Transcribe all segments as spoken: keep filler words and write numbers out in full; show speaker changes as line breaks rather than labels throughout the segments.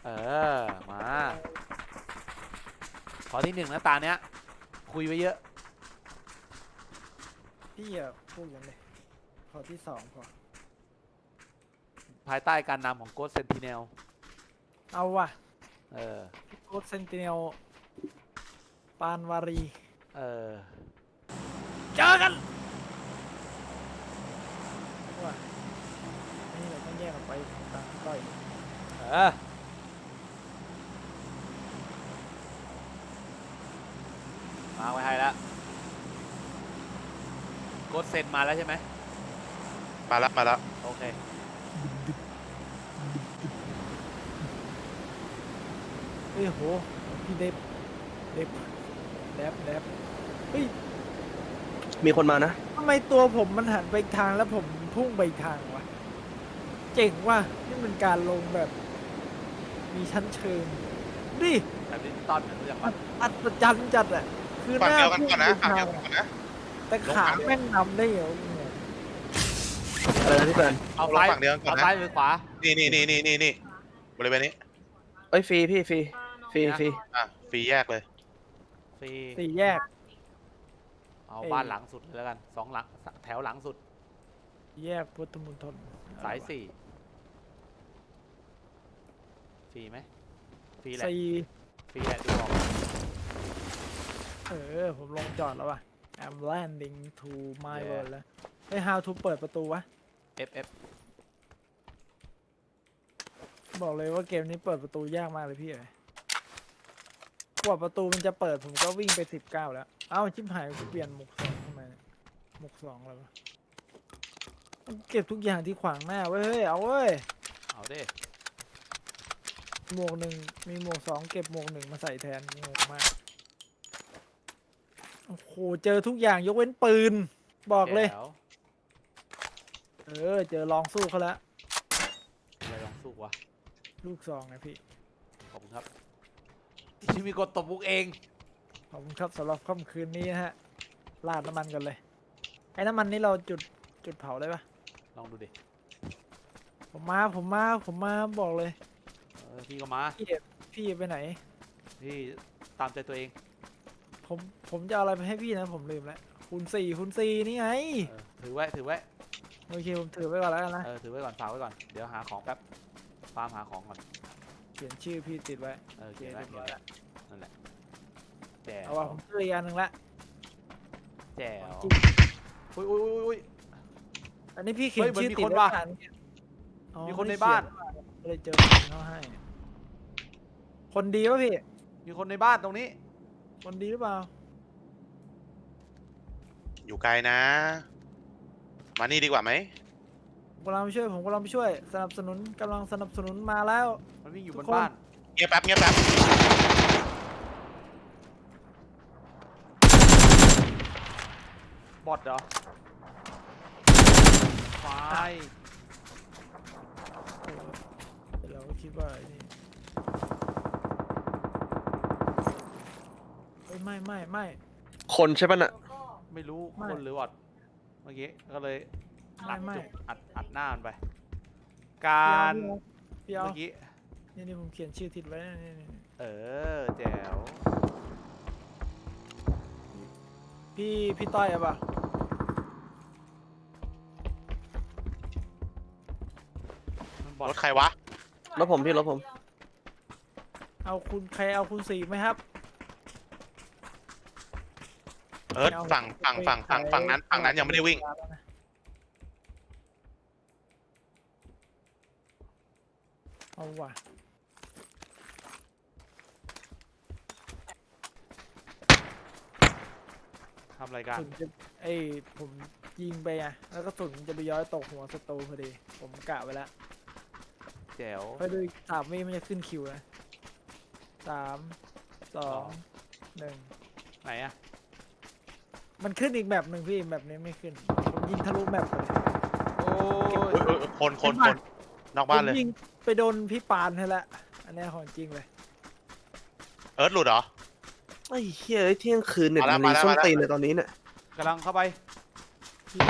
ออมาขอที่หนึ่งนะตาเนี้ยคุยไว้เยอะ
พี่อย่าพูดกันเลยขอที่สองพอ
ภายใต้การนำของโกสเซนติเนล
เอาว่ะ
เออ
โค้ดเซนติเนลปานวารี
เออ
เจอกันว่ะนี่เราต้องแยกออกไปตามต้อย
เออมาไว้ให้แล้วโกสเซนมาแล้วใช่ไหม
มาแล้วมาแล้ว
โอเค
เฮ้ยโหพี่เดฟเดฟเดฟเดฟเฮ้ย
มีคนมานะ
ทำไมตัวผมมันหันไปอีกทางแล้วผมพุ่งไปอีกทางวะเจ๋งว่ะนี่มันการลงแบบมีชั้นเชิงดิ
แบบดิจิตอลเหมือนรู้จักปะ
อัศจรรย์จัดอะคือห
ฝั่ง
น้า
เดียวกันก่อนนะฝั่งเดียวกันก่อนนะ
แต่ขาแม่งนำได้เหรอ
อะไรนะพี่แฟน
เอาซ้าย
ฝั่งเดียวกันก่อน
เอา
นะ
ซ้ายหรือขวา
นี่นี่นี่นี่นี่นี่บริเวณนี้
เอ้ยฟรีพี่ฟรีฟรีฟรี
อ่ะฟรีแยกเลย
ฟรี
สี่แยก
เอาบ้านหลังสุดเลยแล้วกันสองหลังแถวหลังสุด
แยกพุทธมณฑล
สายสี่ฟรีไหมฟรีแหละ
สี่
ฟรีแหละดูออก
เออผมลงจอดแล้วว่ะ I'm landing to my world แล้วไอ้ how to เปิดประตูวะ
F F
บอกเลยว่าเกมนี้เปิดประตูยากมากเลยพี่เอ๋ยกว่าประตูมันจะเปิดผมก็วิ่งไปสิบเก้าแล้วเอ้าชิบหายกูเปลี่ยนหมวกสองทำไมเนี่ยหมวกสองเลยวะเก็บทุกอย่างที่ขวางหน้าเว้ยเฮ้ยเอาเว้ย
เอาดิ
หมวกหนึ่งมีหมวกสองเก็บหมวกหนึ่งมาใส่แทนงงมากโอ้โหเจอทุกอย่างยกเว้นปืนบอกเลยเออเจอลองสู้เขาแล้ว
อะไรลองสู้วะ
ลูกซองนะพี่
ขอบคุณครับที่มีกดตบมุกเอง
ขอบคุณครับสำหรับค่ำคืนนี้นะฮะราดน้ำมันกันเลยไอ้น้ำมันนี่เราจุดจุดเผาได้ปะ
ลองดูดิ
ผมมาผมมาผมมาบอกเลย
เออพี่ก็มา
พี่พี่ไปไหน
พี่ตามใจตัวเอง
ผมผมจะเอาอะไรไปให้พี่นะผมลืมแล้วคูณสี่คูณสี่นี่ไง
ถือไว้ถือไว้
โอเคผมถือไว้ก่อนแล้วกันนะ
เออถือไว้ก่อนฝากไว้ก่อนเดี๋ยวหาของแป๊บฟาร์มหาของก่อน
เขียนชื่อพี่ติดไว้
เออเขียนไว้เขียนไว้นั่นแหละแจ๋ว
เอาว่าผมเจออีกอันหนึ่งละ
แจ๋วอุ้ยอุ้ยอุ้ย
อันนี้พี่เขียนชื่อติดไว้
มีคนในบ้าน
เลยเจอคนเขาให้คนดีป่ะพี่
มีคนในบ้านตรงนี้
คนดีหรือเปล่า
อยู่ไกลนะมานี่ดีกว่าไหม
ผมกำลังไปช่วยผมกำลังไปช่วยสนับสนุนกำลังสนับสนุนมาแล้ว
มันวิ่งอยู่บนบ้าน
เงียบแป๊บเงียบแป๊บ
บอทเหรอไฟ
เราก็คิดว่านี่ไม่ไม่ไม่
คนใช่ปะน่ะ
ไม่รู้คนหรือวอดเมื่อกี้ก็เลยอัดจุกอัดอัดหน้ามันไปการเมื่อกี้
นี่นี่ผมเขียนชื่อทิดไว้นี่
เออแจ๋ว
พี่พี่ต้อยอะป่ะ
รถใครวะ
รถผมพี่รถผม
เอาคุณใครเอาคุณสี่ไหมครับ
เอิร์ธฝั่งฝั่งฝั่งฝั่งฝั่งนั้นฝั่งนั้นยังไม่ได้วิ่ง
เอาว่ะ
ทำรายการ
ไอ้ผมยิงไปอ่ะแล้วก็สุนจะไปย้อยตกหัวศัตรูพอดีผมกะไว้แล้ว
แจ๋ว
ไปดูสามวิมันจะขึ้นคิวนะสามสองหนึ่ง
ไหนอะ
มันขึ้นอีกแบบหนึ่งพี่แบบนี้ไม่ขึ้นผมยิงทะลุแบบเลย
โอ้
ยคนคนคนนอกบ้านเลย
ยิงไปโดนพี่ปานให้ละอันนี้ของจริงเลย
เอิร์ธหลุดเหรอ
ไอ้เฮ้ยเที่ยงคืนเนี่ยมันรีส้นตีนเลยตอนนี้เนี่ย
กำลังเข้าไป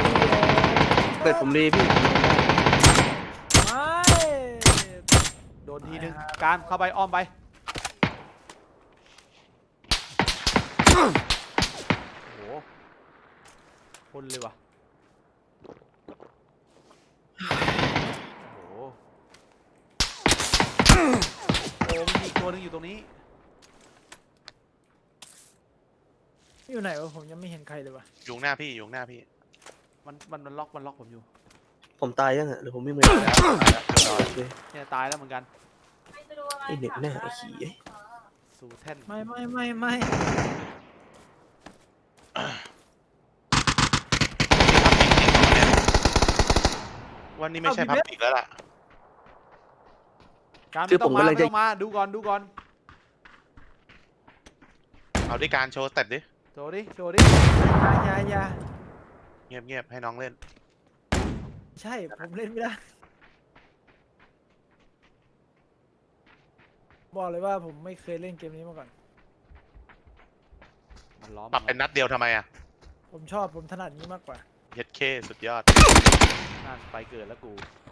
เป็ดผมรีพี่
ไม่
โดนนทีนึงการเข้าไปอ้อมไปโอ้โหคนเลยว่ะโอ้โหโอ้มีอีกตัวหนึงอยู่ตรงนี้
อยู่ไหนวะผมยังไม่เห็นใครเลยวะ
อยู่ข้างหน้าพี่อยู่ข้างหน้าพี่
มันมันมันล็อกมันล็อกผมอยู่
ผมตายยังอ่ะหรือผมไม่เหมือน
ตายแล้วตายแล้วเรียบร้อย
เนี่ยตายแล้วเหมือนกัน
ไอเด็กหน้าไอ้ขี้เอ้ย
สู่แท่น
ไม่ไม่ไม่ไม่
วันนี้ไม่ใช่พับอีกแล้วล่ะ
การไม่ต้องมาไม่ต้องมาดูก่อนดูก่อน
เอาด้วยการโชว์สเต็ปดิ
โชว์ดิโชว์ดิ
อยาอยาอยา
เงียบเงียบให้น้องเล่น
ใช่ผมเล่นไม่ได้บอกเลยว่าผมไม่เคยเล่นเกมนี้มาก่อน
มันล้อม
ปรับเป็นนัดเดียวทำไมอ่ะ
ผมชอบผมถนัดนี้มากกว่า
เฮ็ดเคสุดยอด
นั่นไปเกิดแล้วกู